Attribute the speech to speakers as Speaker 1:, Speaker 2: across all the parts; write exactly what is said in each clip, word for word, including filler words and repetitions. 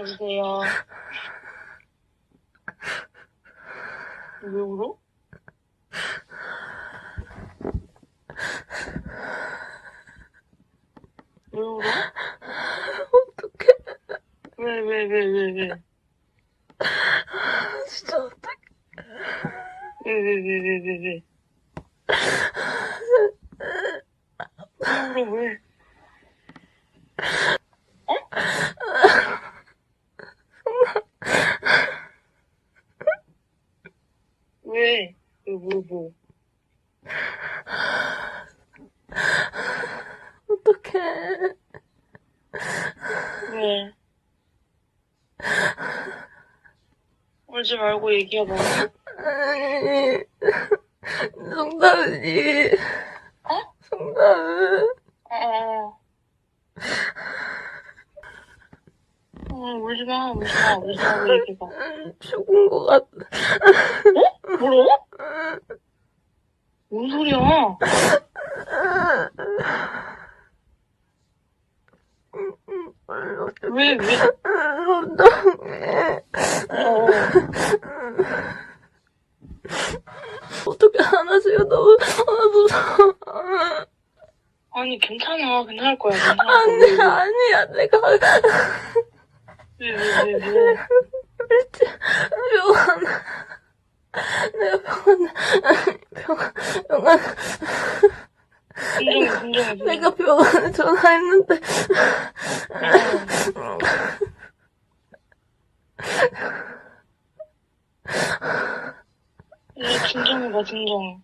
Speaker 1: 여보세요. 왜 울어? 왜 울어?
Speaker 2: 어떡해.
Speaker 1: 왜, 왜, 왜, 왜, 왜?
Speaker 2: 진짜 어떡해.
Speaker 1: 왜, 왜, 왜, 왜, 왜, 왜? 왜 울어, 왜? 어? 왜? 왜, 뭐, 뭐?
Speaker 2: 어떡해.
Speaker 1: 왜? 울지 말고 얘기해봐.
Speaker 2: 아니, 송다은이.
Speaker 1: 어?
Speaker 2: 송다은.
Speaker 1: 어, 어, 울지 마, 울지 마, 울지 말고 얘기해봐.
Speaker 2: 죽은 것 같아.
Speaker 1: 어? 뭐라고? 뭔 소리야? 왜, 왜?
Speaker 2: 어떡해.
Speaker 1: 어.
Speaker 2: 어떻게 안아줘요. 너무, 아, 무서워.
Speaker 1: 아니, 괜찮아. 괜찮을 거야. 괜찮을 거야.
Speaker 2: 아니,
Speaker 1: 왜, 왜?
Speaker 2: 아니야. 내가.
Speaker 1: 왜, 왜, 왜, 왜?
Speaker 2: 병원. 내가 병원, 병원, 병원.
Speaker 1: 진정해, 진정해.
Speaker 2: 내가 병원에 전화했는데.
Speaker 1: 왜 진정해봐, 진정.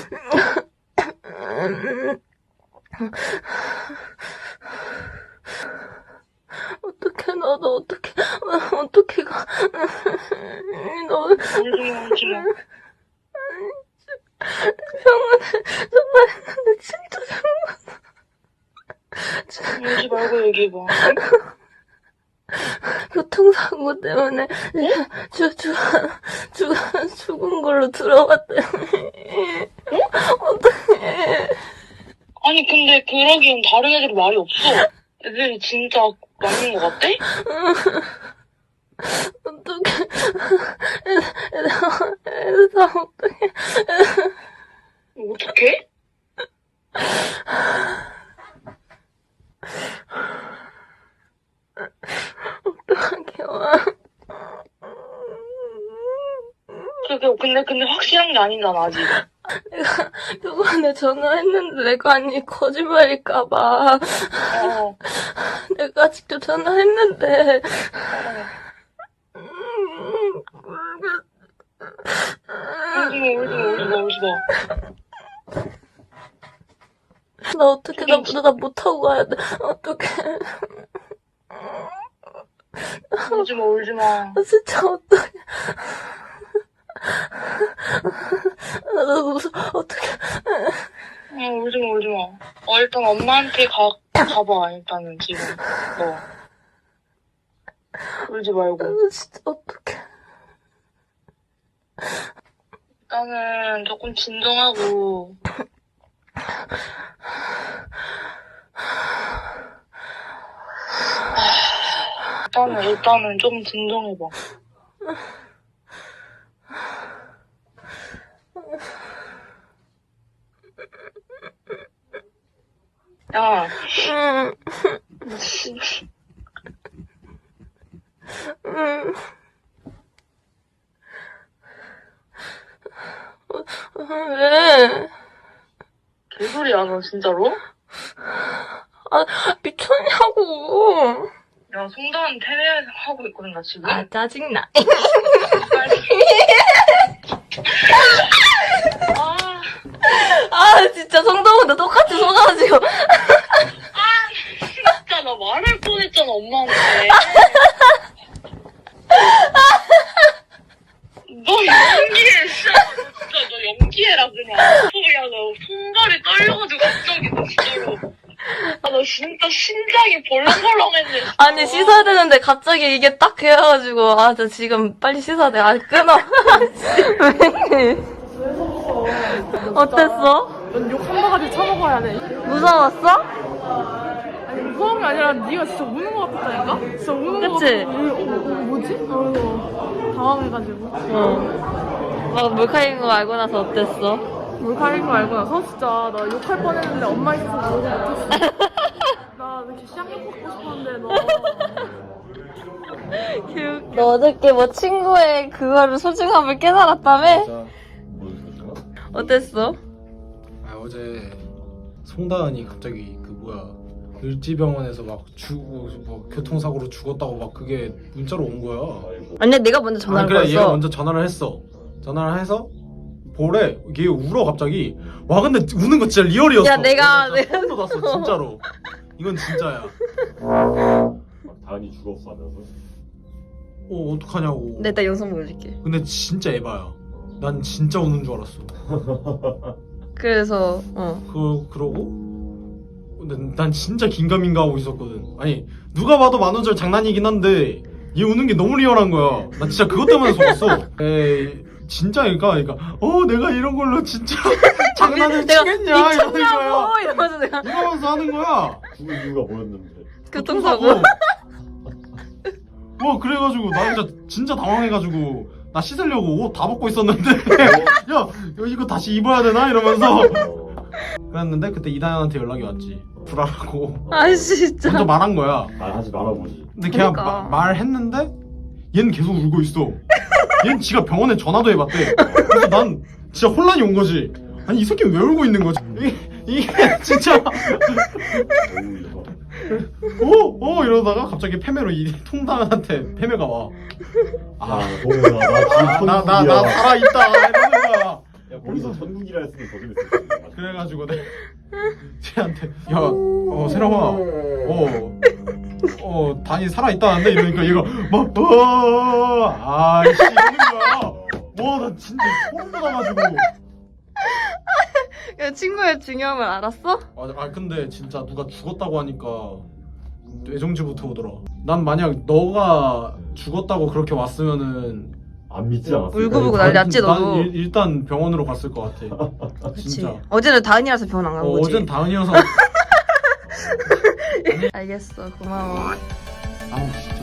Speaker 2: 어떡해, 너도 어떡해, 어떡해, 가. 너.
Speaker 1: 울지 마, 울지 마.
Speaker 2: 병원에 전화했는데 진짜 병원.
Speaker 1: 울지 말고 얘기해봐.
Speaker 2: 교통사고 때문에 주, 주, 주, 죽은 걸로 들어갔대요. 어떡해.
Speaker 1: 아니, 근데 그러기엔 다른 애들이 말이 없어. 애들이 진짜 맞는 것 같대?
Speaker 2: 어떡해. 애들, 애들 다 어떡해.
Speaker 1: 어떡해?
Speaker 2: 어떡하게요.
Speaker 1: 그게, 근데, 근데 확실한 게 아니잖아, 아직.
Speaker 2: 내가 병원에 전화했는데 내가 아니 거짓말일까봐
Speaker 1: 어.
Speaker 2: 내가 직접 전화했는데
Speaker 1: 울지 마, 울지 마, 울지 마, 울지 마.
Speaker 2: 나 어떻게 나, 나 못하고 가야 돼. 어떡해.
Speaker 1: 울지 마, 울지 마.
Speaker 2: 아, 진짜 어떡해. 나 너무 무서워. 어떡해.
Speaker 1: 어, 울지 마, 울지 마. 어, 일단 엄마한테 가, 가봐, 일단은, 지금. 너. 울지 말고.
Speaker 2: 나 진짜 어떡해.
Speaker 1: 일단은 조금 진정하고. 일단은, 일단은 좀 진정해봐. 야,
Speaker 2: 응.
Speaker 1: 씨.
Speaker 2: 응. 왜?
Speaker 1: 개소리야, 너 진짜로?
Speaker 2: 아, 미쳤냐고.
Speaker 1: 야, 송다은 테레하고 있거든, 나 지금.
Speaker 2: 아, 짜증나.
Speaker 1: 아,
Speaker 2: 아, 진짜 성동훈도 똑같이 속아가지고.
Speaker 1: 아, 진짜 나 말할 뻔했잖아, 엄마한테. 너 연기해, 진짜. 진짜 너 연기해라, 그냥. 야, 너 손발이 떨려가지고 갑자기, 너 진짜로. 아, 너 진짜 심장이 벌렁벌렁했네. 진짜.
Speaker 2: 아니, 씻어야 되는데 갑자기 이게 딱 해가지고. 아, 저 지금 빨리 씻어야 돼. 아, 끊어. 왜? 어땠어?
Speaker 3: 욕 한 바가지 쳐먹어야 돼.
Speaker 2: 무서웠어?
Speaker 3: 아니 무서운 게 아니라 네가 진짜 우는 거 같았다니까? 진짜 우는 거
Speaker 2: 그치?
Speaker 3: 같아. 어, 어, 뭐지? 어, 당황해가지고.
Speaker 2: 어. 막 몰카인 거 알고 나서 어땠어?
Speaker 3: 몰카인 거 알고 나서 진짜 나 욕할 뻔했는데 엄마 있어서 욕을 못했어. 나 이렇게 쌍욕 먹고 싶었는데 너.
Speaker 2: 너 어저께 뭐 친구의 그거를 소중함을 깨달았다며?
Speaker 4: 진짜 뭐
Speaker 2: 어땠어?
Speaker 4: 아 어제 송다은이 갑자기 그 뭐야 을지병원에서 막 죽고 뭐 교통사고로 죽었다고 막 그게 문자로 온 거야.
Speaker 2: 아니 내가 먼저 전화를
Speaker 4: 아니, 그래
Speaker 2: 걸었어.
Speaker 4: 얘가 먼저 전화를 했어. 전화를 해서 보래. 걔 울어 갑자기. 와 근데 우는 거 진짜 리얼이었어.
Speaker 2: 야, 내가-
Speaker 4: 나 진짜 소름 돋았어 진짜로. 이건 진짜야.
Speaker 5: 막 다은이 죽었어 하면서
Speaker 4: 어 어떡하냐고.
Speaker 2: 내 이따 영상 보여줄게.
Speaker 4: 근데 진짜 에바야. 난 진짜 우는 줄 알았어.
Speaker 2: 그래서 어.
Speaker 4: 그 그러고 근데 난 진짜 긴가민가 하고 있었거든. 아니 누가 봐도 만원절 장난이긴 한데 얘 우는 게 너무 리얼한 거야. 나 진짜 그것 때문에 속았어. 에이 진짜 그러니까 그러니까 어 내가 이런 걸로 진짜 장난을
Speaker 2: 내가
Speaker 4: 치겠냐 이러는 거야.
Speaker 2: 미쳤냐고 이러면서 내가
Speaker 4: 이러면서 하는 거야.
Speaker 5: 죽은 이유가 뭐였는데
Speaker 2: 교통사고.
Speaker 4: 뭐 그래가지고 나 진짜 진짜 당황해가지고 나 씻으려고 옷 다 벗고 있었는데 야 이거 다시 입어야 되나 이러면서 그랬는데 그때 이다현한테 연락이 왔지. 불안하고
Speaker 2: 아 진짜.
Speaker 4: 먼저 말한 거야.
Speaker 5: 말하지 말아보지.
Speaker 4: 근데 걔가
Speaker 2: 그러니까.
Speaker 4: 마- 말했는데 얘는 계속 울고 있어. 얘는 지가 병원에 전화도 해봤대. 그래서 난 진짜 혼란이 온 거지. 아니 이 새끼는 왜 울고 있는 거지? 이게, 이게 진짜
Speaker 5: 어우 이거
Speaker 4: 어? 어? 이러다가 갑자기 패매로 이 통당한테 패매가 와.
Speaker 5: 아 동현아 나 지금
Speaker 4: 나 나 나
Speaker 5: 천국이야.
Speaker 4: 살아있다 이러는 거야.
Speaker 5: 야 거기서 천국이라 했으면 더 재밌을 텐데.
Speaker 4: 그래가지고 내가 쟤한테 야, 어 세령아, 어, 어 단이 살아있다는데 이러니까 얘가 막 어, 아이씨 이러는 거야. 와 나 진짜 소름 돋아가지고.
Speaker 2: 야, 친구의 중요함을 알았어?
Speaker 4: 아, 아 근데 진짜 누가 죽었다고 하니까 뇌정지부터 오더라. 난 만약 너가 죽었다고 그렇게 왔으면은
Speaker 5: 안 믿지 않았어.
Speaker 2: 울고불고
Speaker 4: 난-
Speaker 2: 난리 났지,
Speaker 4: 난
Speaker 2: 너도.
Speaker 4: 일, 일단 병원으로 갔을 것 같아.
Speaker 2: 그치.
Speaker 4: 진짜.
Speaker 2: 어제는 다은이라서 병원 안 간
Speaker 4: 어,
Speaker 2: 거지.
Speaker 4: 어젠 다은이어서.
Speaker 2: 알겠어. 고마워.
Speaker 4: 아우 진짜.